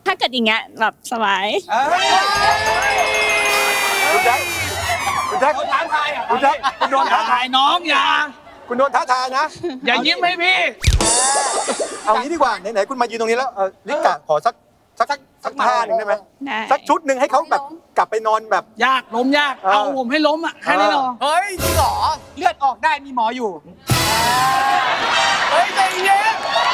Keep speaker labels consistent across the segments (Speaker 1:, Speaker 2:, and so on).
Speaker 1: ถ้าเกิดอย่างเงี้ยแบบสบาย
Speaker 2: คุณแจ็คคุณแจ็ค
Speaker 3: ท้าทายอ่ะ
Speaker 2: คุณแจ็คคุณโดนท้าทาย
Speaker 3: น้องอย่า
Speaker 2: คุณโดนท้าทายนะ
Speaker 3: อย่ายิ้มให้พี่
Speaker 2: เอางี้ดีกว่าไหนๆคุณมายืนตรงนี้แล้วลิกะขอสักท่าหนึ่งได้ไหม
Speaker 1: ได้
Speaker 2: สักชุดหนึ่งให้เขาแบบกลับไปนอนแบบ
Speaker 3: ยากล้มยาก เอาผมให้ล้มอ่ะแค่นี้หรอ
Speaker 4: เฮ้ยจริงเหรอเลือดออกได้มีหมออยู่เฮ้ยใจเย็น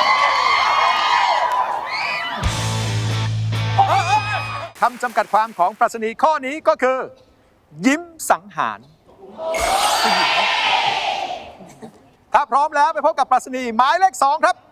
Speaker 2: คำจำกัดความของปรัชนีข้อนี้ก็คือ ยิ้มสังหาร ถ้าพร้อมแล้วไปพบกับปรัชนีหมายเลข 2 ครับ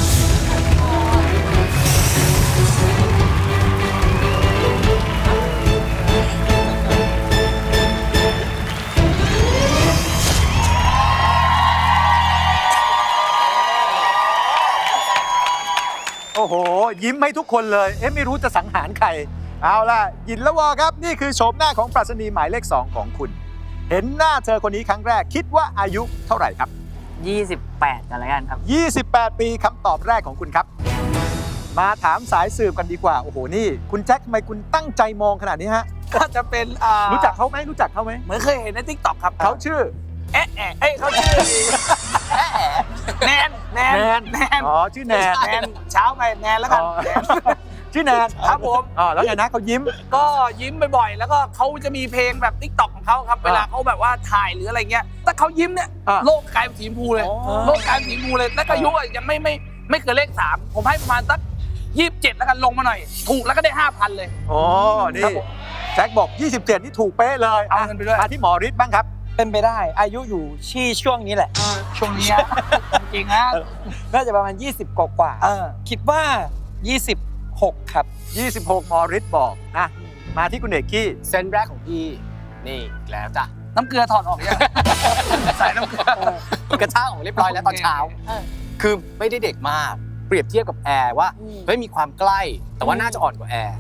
Speaker 2: โอ้โห ยิ้มให้ทุกคนเลย ไม่รู้จะสังหารใคร เอาล่ะยินละวอครับ นี่คือโฉมหน้าของปรัชนีหมายเลข 2 ของคุณ เห็นหน้าเธอคนนี้ครั้งแรกคิดว่าอายุเท่าไหร่ครับ
Speaker 5: 28กันแล้วกันครับ
Speaker 2: 28 ปีคำตอบแรกของคุณครับ มาถามสายสืบกันดีกว่า โอ้โห นี่ คุณแจ็คทำไมคุณตั้งใจมองขนาดนี้ฮะ
Speaker 4: ก็จะเป็น
Speaker 2: รู้จักเขาไหมรู้จักเขาไหม
Speaker 4: เหมือนเคยเห็นในทิกตอกครับ
Speaker 2: เขาชื่อ
Speaker 4: เขาชื่อแนน
Speaker 2: อ๋อ ชื่อแนน
Speaker 4: แนนเช้าไปแนนแล้วกัน
Speaker 2: อ๋อ ชื่อแนน
Speaker 4: ครับผม
Speaker 2: อ๋อแล้วไงนะเขายิ้ม
Speaker 4: ก็ยิ้มบ่อยๆ แล้วก็เขาจะมีเพลงแบบทิกตอกของเขาครับ เวลาเขาแบบว่าถ่ายหรืออะไรเงี้ยถ้าเขายิ้มเนี่ย โลกกลายเป็นสีชมพูเลย โลกกลายเป็นสีชมพูเลย แล้วก็อายุยังไม่เกินเลข 3 ผมให้ประมาณสัก27 แล้วกันลงมาหน่อย ถูกแล้วก็ได้ 5,000 เลย
Speaker 2: อ๋อ นี่แจ็คบอก 27 นี่ถูกเป๊ะเลย
Speaker 4: เอาเงินไปด้วย
Speaker 2: มาที่หมอฤทธิ์บ้างครับ
Speaker 6: เป็นไปได้อายุอยู่ที่ช่วงนี้แหละ
Speaker 4: ช่วงนี้จริงนะ
Speaker 6: น่าจะประมาณ 20 กว่าคิดว่า 26 ครับ
Speaker 2: 26 หมอฤทธิ์บอกนะ มาที่คุณเอกกี้
Speaker 4: เซนแรกของพี่นี่แล้วจ้ะน้ำเกลือถอดออกยังใส่น้ำเกลือกระชากออกเรียบร้อยแล้วตอนเช้า
Speaker 7: คือไม่ได้เด็กมาก เปรียบเทียบกับแอร์ว่าเฮ้ยมีความใกล้ แต่ว่าน่าจะอ่อนกว่าแอร์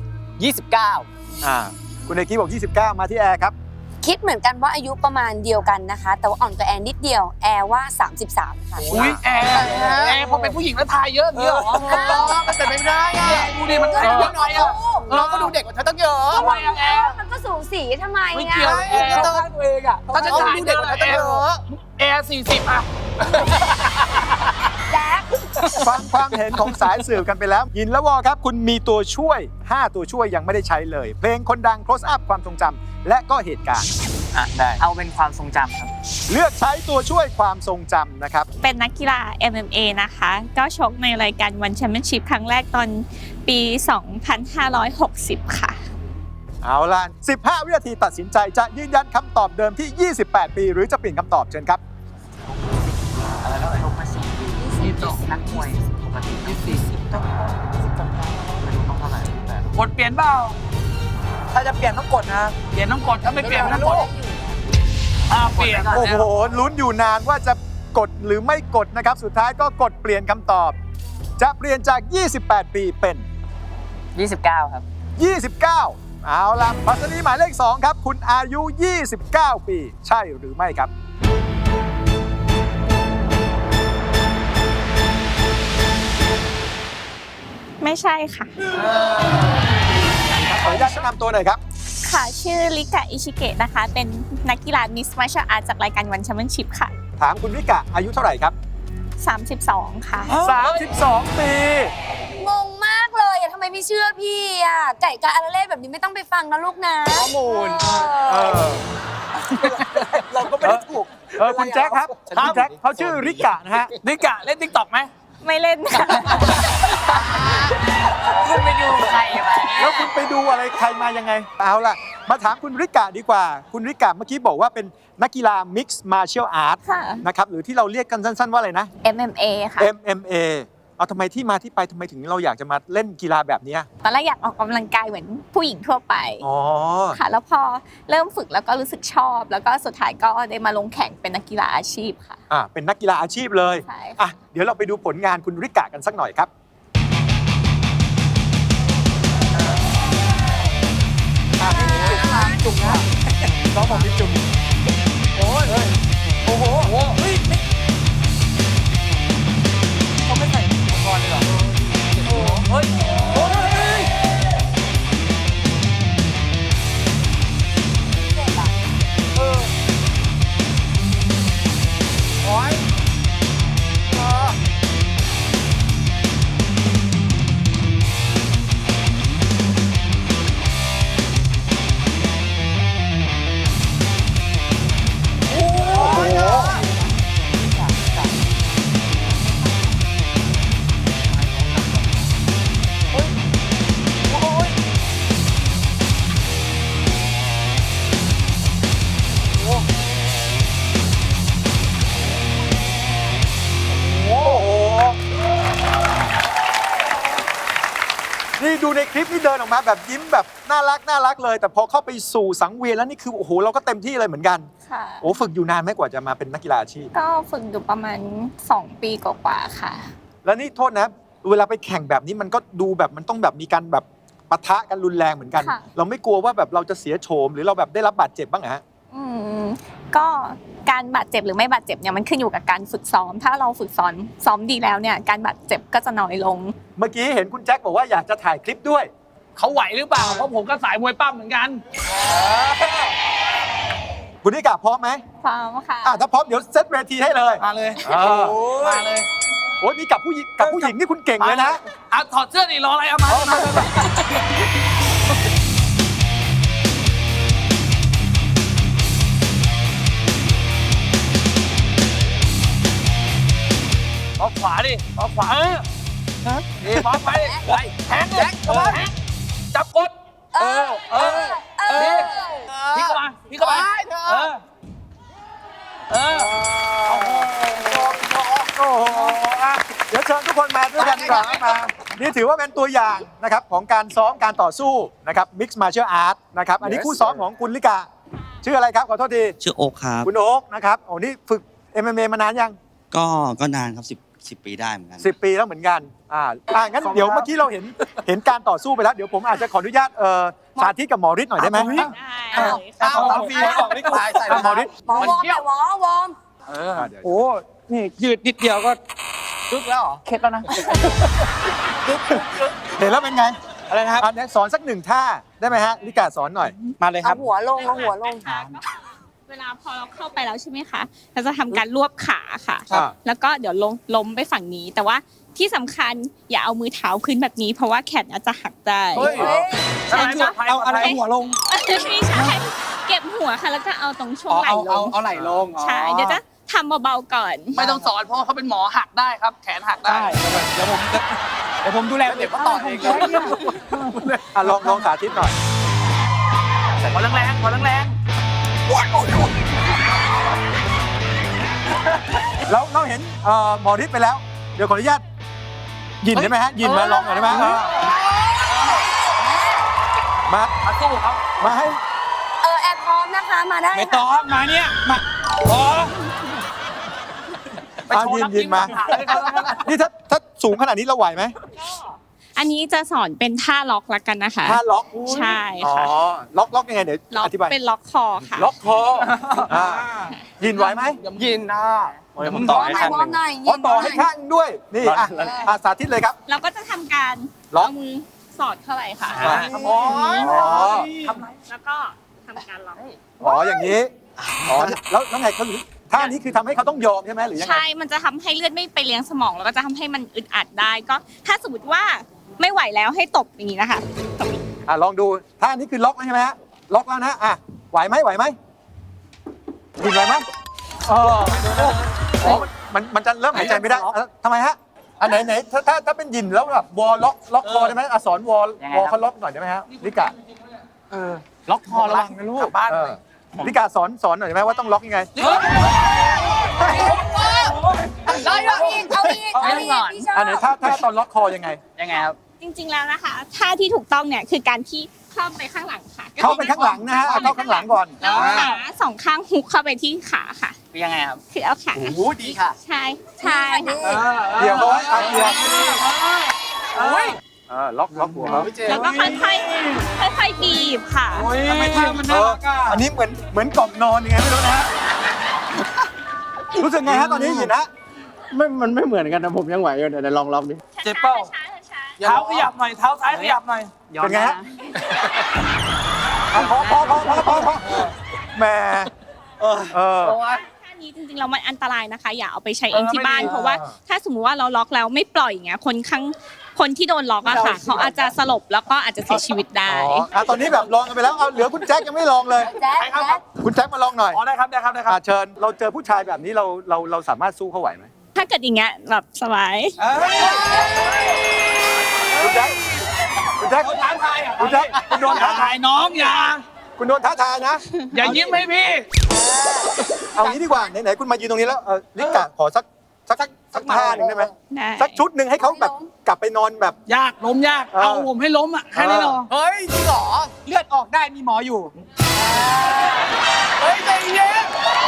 Speaker 7: 29
Speaker 2: คุณเอกกี้บอก 29 มาที่แอร์ครับ
Speaker 8: คิดเหมือนกันว่าอายุประมาณเดียวกันนะคะ แต่ว่าอ่อนกว่าแอนนิดเดียว แอร์ว่า 33 ค่ะ
Speaker 4: อุ้ยแอร์พอเป็นผู้หญิงแล้วทายเยอะอย่างเงี้ยเหรอ
Speaker 7: มันเป็นไปไม่ได้อะ
Speaker 4: ดูดิมันทายเยอะหน่อยอ่ะ
Speaker 7: น้องก็ดูเด็กกว่าเธอตั้งเยอะ
Speaker 4: ทำไมอะแอร์
Speaker 8: มันก็สูงสีทำไม
Speaker 4: ไม่
Speaker 8: อ่ะ
Speaker 4: เกี่ยวแอร์
Speaker 7: ก็ต้องตัวเองอะถ้าจะถ่ายเด็กกว่าเธอตั้งเยอะ
Speaker 4: แอร์40อ่ะ
Speaker 8: แจ๊ค
Speaker 2: ฟังความเห็นของสายสืบกันไปแล้ว ยินละวอครับ คุณมีตัวช่วย 5 ตัวช่วยยังไม่ได้ใช้เลย เพลงคนดัง close up ความทรงจำและก็เหตุการณ์
Speaker 5: ได้ เอาเป็นความทรงจำครับ
Speaker 2: เลือกใช้ตัวช่วยความทรงจำนะครับ
Speaker 1: เป็นนักกีฬา MMA นะคะ ก็ชกในรายการวันแชมเปี้ยนชิพครั้งแรกตอนปี 2560 ค่ะ
Speaker 2: เอาล่ะ 15 วินาทีตัดสินใจจะยืนยันคำตอบเดิมที่ 28 ปี หรือจะเปลี่ยนคำตอบเชิญครับ
Speaker 5: ชกมา4 ปีนักมวยปกติต้องเท่าไหร่
Speaker 4: กดเปลี่ยนเปล่า
Speaker 6: ถ้าจะเปลี่ยนต้องกดนะ
Speaker 4: เปลี่ยนต้องกดถ้าไม่เปลี่ยนไม่ต้องกดเปลี่ยน
Speaker 2: โอ้โห ลุ้นอยู่นานว่าจะกดหรือไม่กดนะครับ สุดท้ายก็กดเปลี่ยนคำตอบ จะเปลี่ยนจาก 28 ปีเป็น
Speaker 5: 29 ครับ
Speaker 2: 29 เอาล่ะปรัชนีหมายเลข 2 ครับ คุณอายุ 29 ปี ใช่หรือไม่ครับ
Speaker 1: ไม่ใช่ค่ะ
Speaker 2: ขออนุญาตแนะนำตัวหน่อยครับ
Speaker 1: ค่ะ ชื่อลิกะอิชิเกะนะคะ เป็นนักกีฬามิสมาร์ชอาร์ตจากรายการวันแชมเปี้ยนชิพค่ะ
Speaker 2: ถามคุณวิกะอายุเท่าไหร่ครับ
Speaker 1: 32 ค่ะ
Speaker 2: 32 ปี
Speaker 8: งงมากเลยอะทำไมไม่เชื่อพี่อะไก่กาอาราเล่แบบนี้ไม่ต้องไปฟังนะลูกนะ
Speaker 7: ข้อมูล
Speaker 6: เราก็ไม่ได้ถูก
Speaker 2: คุณแจ็คครับ คุณแจ็คเขาชื่อริกะนะฮะ
Speaker 4: นิกะเล่นทิกตอกไหม
Speaker 1: ไม่เล่นค่ะ
Speaker 5: คุณไปดูใครมา
Speaker 2: แล้วคุณไปดูอะไรใครมายังไง เอาล่ะ มาถามคุณริกะดีกว่า คุณริกะเมื่อกี้บอกว่าเป็นนักกีฬา Mixed Martial Art
Speaker 1: ค่ะ
Speaker 2: นะครับ หรือที่เราเรียกกันสั้นๆว่าอะไรนะ
Speaker 1: MMA ค่ะ
Speaker 2: MMA เอาทำไมที่มาที่ไปทำไมถึงเราอยากจะมาเล่นกีฬาแบบนี้
Speaker 1: ตอนแรกอยากออกกำลังกายเหมือนผู้หญิงทั่วไป
Speaker 2: อ๋อ
Speaker 1: ค่ะ แล้วพอเริ่มฝึกแล้วก็รู้สึกชอบ แล้วก็สุดท้ายก็ได้มาลงแข่งเป็นนักกีฬาอาชีพค่ะ
Speaker 2: เป็นนักกีฬาอาชีพเลย
Speaker 1: ใช่ค่ะ
Speaker 2: เดี๋ยวเราไปดูผลงานคุณริกะกันสักหน่อยครับจุ่มนะน้องบอกมีจุ่มโอ้โห
Speaker 4: เขาไม่ใส่อุปกรณ์เลยเหรอ
Speaker 2: เฮ้ยในคลิปนี่เดินออกมาแบบยิ้มแบบน่ารักเลย แต่พอเข้าไปสู่สังเวียนแล้วนี่คือโอ้โหเราก็เต็มที่เลยเหมือนกัน
Speaker 1: ค่ะ
Speaker 2: โอ้ฝึกอยู่นานไหมกว่าจะมาเป็นนักกีฬาอาชีพ
Speaker 1: ก็ฝึกอยู่ประมาณ 2 ปีกว่าๆค่ะ
Speaker 2: แล้วนี่โทษนะเวลาไปแข่งแบบนี้มันก็ดูแบบมันต้องแบบมีการแบบปะทะกันรุนแรงเหมือนกัน
Speaker 1: ค่ะ
Speaker 2: เราไม่กลัวว่าแบบเราจะเสียโฉมหรือเราแบบได้รับบาดเจ็บบ้างเหรอฮะ
Speaker 1: ก็การบาดเจ็บหรือไม่บาดเจ็บเนี่ยมันขึ้นอยู่กับการฝึกซ้อม ถ้าเราฝึกซ้อมดีแล้วเนี่ยการบาดเจ็บก็จะน้อยลง
Speaker 2: เมื่อกี้เห็นคุณแจ็คบอกว่าอยากจะถ่ายคลิปด้วย
Speaker 4: เขาไหวหรือเปล่า เพราะผมก็สายมวยปั้มเหมือนกัน
Speaker 2: คุณนิกาพร้อมไหม
Speaker 1: พร้อมค่ะ
Speaker 2: ถ้าพร้อมเดี๋ยวเซตเวทีให้เลย
Speaker 4: มาเลย
Speaker 2: มาเลยโอ้ยนี่กับผู้หญิงนี่คุณเก่งเลยนะ
Speaker 4: อ่ะถอดเสื้อดิรออะไรเอามาเอาขวาดิเอาขวานี่พร้อมไปไปแทงเลยแทงจับกดนี่พี่เข้ามาพี่เข้ามา
Speaker 2: โอ้โหเดี๋ยวเชิญทุกคนมาด้วยกันดีกว่ามานี่ถือว่าเป็นตัวอย่างนะครับของการซ้อมการต่อสู้นะครับ Mixed Martial Art นะครับอันนี้คู่ซ้อมของคุณลิกาชื่ออะไรครับขอโทษที
Speaker 9: ชื่อโอ๊คครับ
Speaker 2: คุณโอ๊คนะครับโอ้นี่ฝึก MMA มานานยัง
Speaker 9: ก็นานครับ10 ปีได้เหมือนกัน
Speaker 2: 10 ปีแล้วเหมือนกันงั้นเดี๋ยวเมื่อกี้เราเห็นการต่อสู้ไปแล้วเดี๋ยวผมอาจจะขออนุญาตสาธิตกับหมอฤทธิ์หน่อยได้ไหม
Speaker 1: ได้เลยค่ะ
Speaker 6: เอาฟรีบอกไม่กลัวใส่
Speaker 2: หมอฤทธิ์
Speaker 8: หมอวอร์มแต่วอร์ม
Speaker 6: โอ้ นี่ยืดนิดเดียวก็
Speaker 4: ลุกแล้วเหรอ
Speaker 6: เข็ดแล้วนะ
Speaker 2: เห็นแล้วเป็นไง
Speaker 6: อะไรนะครับ
Speaker 2: อันนี้สอนสักหนึ่งท่าได้ไหมฮะลิกาสอนหน่อย
Speaker 6: มาเลยค
Speaker 8: เอา
Speaker 6: รับ
Speaker 8: หัวลงเอาหัวลง
Speaker 1: เวลาพอเราเข้าไปแล้วใช่ไหมคะเราจะทำการรวบขาค่ะ
Speaker 2: ครับ
Speaker 1: แล้วก็เดี๋ยวล้มไปฝั่งนี้ แต่ว่าที่สำคัญอย่าเอามือเท้าขึ้นแบบนี้ เพราะว่าแขนอาจจะหักได้
Speaker 4: เฮ้ย
Speaker 1: ใช่ไหม
Speaker 6: เอาอะไรหัวลง
Speaker 1: ไม่ใช่เก็บหัวค่ะ แล้วก็เอาตรงช่วงไหล่ลง
Speaker 6: เอาไหล่ลง
Speaker 1: ใช่เดี๋ยวจะทำเบาๆก่อน
Speaker 4: ไม่ต้องสอนเพราะเขาเป็นหมอหักได้ครับ แขนหักได้
Speaker 6: ได้เดี๋ยวผมดูแลเด็กก็ต่อเอง
Speaker 2: ลองสาธิตหน่อย
Speaker 4: ขอแรงๆขอแรง
Speaker 2: เราเห็นหมอฤทธิ์ไปแล้ว เดี๋ยวขออนุญาตยินได้ไหมฮะยินมาลองหน่อยได้ไหมมา
Speaker 4: ๆมาสู้เขา
Speaker 2: มาให้
Speaker 8: แอร์พร้อมนะคะมาได้
Speaker 6: ไม่ต้องมาเนี่ยมาพอ
Speaker 4: ไปโชว์นัก
Speaker 2: ยินมา
Speaker 4: หักเลยครับ
Speaker 2: นี่ถ้าสูงขนาดนี้เราไหวไหม
Speaker 1: อันนี้จะสอนเป็นท่าล็อกละกันนะคะ
Speaker 2: ถ้าล็อก
Speaker 1: ใช่
Speaker 2: อ๋อ
Speaker 1: ค่ะ
Speaker 2: ล็อกยังไงเดี๋ยว
Speaker 1: ล็อก
Speaker 2: อธิบาย
Speaker 1: เป็นล็อกคอค่ะ
Speaker 2: ล็อกคอยินไหวไหม
Speaker 6: ยินนะเดี๋ยวผมต่อให้
Speaker 8: ว
Speaker 6: ข้าง
Speaker 8: อ
Speaker 6: ห
Speaker 8: ร์ม
Speaker 6: นึ่ง
Speaker 8: หน่อย
Speaker 2: อ๋อต่อให้ข้างด้วย นี่สาธิตเลยครับ
Speaker 1: เราก็จะทำการ
Speaker 2: ล็อก
Speaker 1: เอามือสอดเข้าไปค่ะ
Speaker 2: อ๋อ
Speaker 1: แล้วก็ทำการล็อก
Speaker 2: อ๋ออย่างนี้อ๋อแล้วไงเขาท่านี้คือทำให้เขาต้องยอมใช่ไหมหรือยังไง
Speaker 1: ใช่ มันจะทำให้เลือดไม่ไปเลี้ยงสมอง แล้วก็จะทำให้มันอึดอัดได้ ก็ถ้าสมมติว่าไม่ไหวแล้วให้ตบอย่างนี้นะคะตบ
Speaker 2: ลองดูท่านี้คือล็อกแล้วใช่ไหมฮะล็อกแล้วนะไหวไหมยินไหวไหมอ๋อมันจะเริ่มหายใจไม่ได้ทำไมฮะอันไหนถ้าเป็นยินแล้วแบบวอลล็อกคอได้ไหมสอนวอลเขาล็อกหน่อยได้ไหมฮะลิกา
Speaker 6: ล็อกคอระวังนะลูก
Speaker 4: กลับบ้านเลย
Speaker 2: ลิกาสอนหน่อยได้ไหมว่าต้องล็อกยังไง
Speaker 8: เอาอีกพี่ชอบ
Speaker 2: อันไหนถ้าตอนล็อกคอยังไง
Speaker 6: ยังไงครับ
Speaker 1: จริงๆแล้วนะคะท่าที่ถูกต้องเนี่ยคือการที่เข้าไปข้างหลังค่ะ
Speaker 2: เข้าไปข้างหลังนะฮะเข้าข้างหลังก่อน
Speaker 1: แล้วขาสองข้างฮุกเข้าไปที่ขาค่ะ
Speaker 6: ยังไงครับ
Speaker 1: คือเอาขา
Speaker 6: โอ้โหดีค่ะ
Speaker 1: ใช่ค่ะ
Speaker 2: เดี๋ยวเขาไว้เดี๋ยวล็อกหัวเขา
Speaker 1: แล้วก็ค่อยๆบีบค่ะ
Speaker 6: ทำไมท่ามันน่ารักอ่ะ
Speaker 2: อันนี้เหมือนกล่อมนอนยังไงไม่รู้นะฮะรู้สึกไงฮะตอนนี้ยินนะ
Speaker 3: มันไม่เหมือนกันนะผมยังไหวอยู่เดี๋ยวลองล็อกดิ
Speaker 4: เจ็บเป้า
Speaker 1: ช้า
Speaker 4: เท้าขยับหน่อย เท้าซ้ายขยับหน่อย
Speaker 2: เป็นไงฮะพอแหม
Speaker 1: ท่านี้จริงๆแล้วมันอันตรายนะคะ อย่าเอาไปใช้เองที่บ้าน เพราะว่าถ้าสมมุติว่าเราล็อกแล้วไม่ปล่อยอย่างเงี้ยคนที่โดนล็อกอะค่ะเขาอาจจะสลบแล้วก็อาจจะเสียชีวิตได้
Speaker 2: ตอนนี้แบบลองกันไปแล้วเอาเหลือคุณแจ็คยังไม่ลองเลย
Speaker 8: แจ๊ค
Speaker 2: คุณแจ็คมาลองหน่อย
Speaker 4: อ๋อได้ครับ
Speaker 2: เชิญเราเจอผู้ชายแบบนี้เราสามารถสู้เขาไหวไหม
Speaker 1: ถ้าเกิดอย่างเงี้ยแบบสบาย
Speaker 2: คุณแจ็คคุณโดนท้าทาย
Speaker 4: ถ่ายน้องอย่า
Speaker 2: คุณโดนท้าทายนะ
Speaker 4: อย่ายิ้มให้พี่
Speaker 2: เอางี้ดีกว่าไหนๆคุณมายืนตรงนี้แล้วลิกะขอสักสักท่าหนึ่งได้ไหม
Speaker 1: ได้
Speaker 2: สักชุดหนึ่งให้เขาแบบกลับไปนอนแบบ
Speaker 4: ยากล้มยาก เอาผมให้ล้มอ่ะแค่นี้เนาะ
Speaker 7: เฮ้ยจริงเหรอ
Speaker 6: เลือดออกได้มีหมออยู่
Speaker 7: เฮ้ยใจเย็น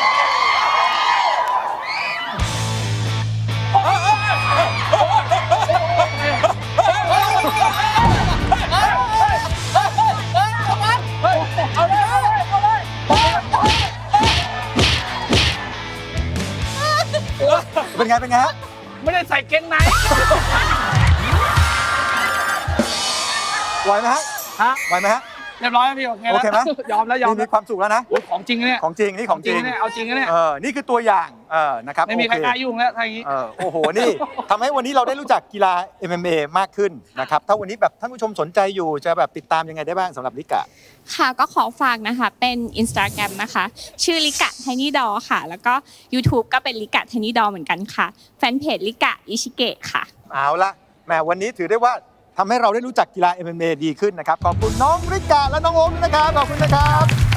Speaker 2: เป็นไงเป็นไงฮะ
Speaker 4: ไม่ได้ใส่เกงใน
Speaker 2: ไหวไหมฮะ
Speaker 4: ฮะ
Speaker 2: ไหวไหมฮะ
Speaker 4: เรียบร้อยแล้วพี่โอเค
Speaker 2: โอเคไหม
Speaker 4: ยอมแล้วยอม
Speaker 2: มีความสุขแล้วนะ
Speaker 4: โอ้ยของจริงเนี่ย
Speaker 2: ของจริงนี่ของจริง
Speaker 4: เนี่ยเอาจริงนะเนี่ย
Speaker 2: นี่คือตัวอย่างนะครับ
Speaker 4: ไม่มีใคร
Speaker 2: โอเค
Speaker 4: กล้ายุ่งแล้วถ้าอย่างนี้
Speaker 2: โอ้โห นี่ทำให้วันนี้เราได้รู้จักกีฬา MMA มากขึ้นนะครับ ถ้าวันนี้แบบท่านผู้ชมสนใจอยู่จะแบบติดตามยังไงได้บ้างสำหรับลิกะ
Speaker 1: ค่ะก็ขอฝากนะคะเป็น Instagram นะคะ ชื่อลิกะไทนี่ดอค่ะ แล้วก็ YouTube ก็เป็นลิกะไทนี่ดอเหมือนกันค่ะ แฟนเพจลิกะอิชิเกะค่ะ
Speaker 2: เอาละแหมวันนี้ถือได้ว่าทำให้เราได้รู้จักกีฬา MMA ดีขึ้นนะครับ ขอบคุณน้องริกะและน้องโอมด้วยนะครับ ขอบคุณนะครับ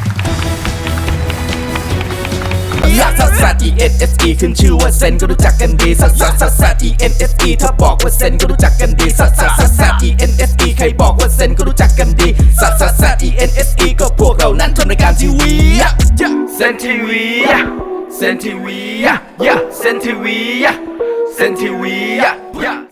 Speaker 10: ลักซัสซัส E N S E ขึ้นชื่อว่าเซนก็รู้จักกันดีซัสซัสซัสซัส E N S E ถ้าบอกว่าเซนก็รู้จักกันดีซัสซัสซัสซัส E N S E ใครบอกว่าเซนก็รู้จักกันดีซัสซัสซัส E N S E ก็พวกเรานั้นทำรายการทีวีเซนทีวีเซนทีวีเซนทีวีเซนทีวี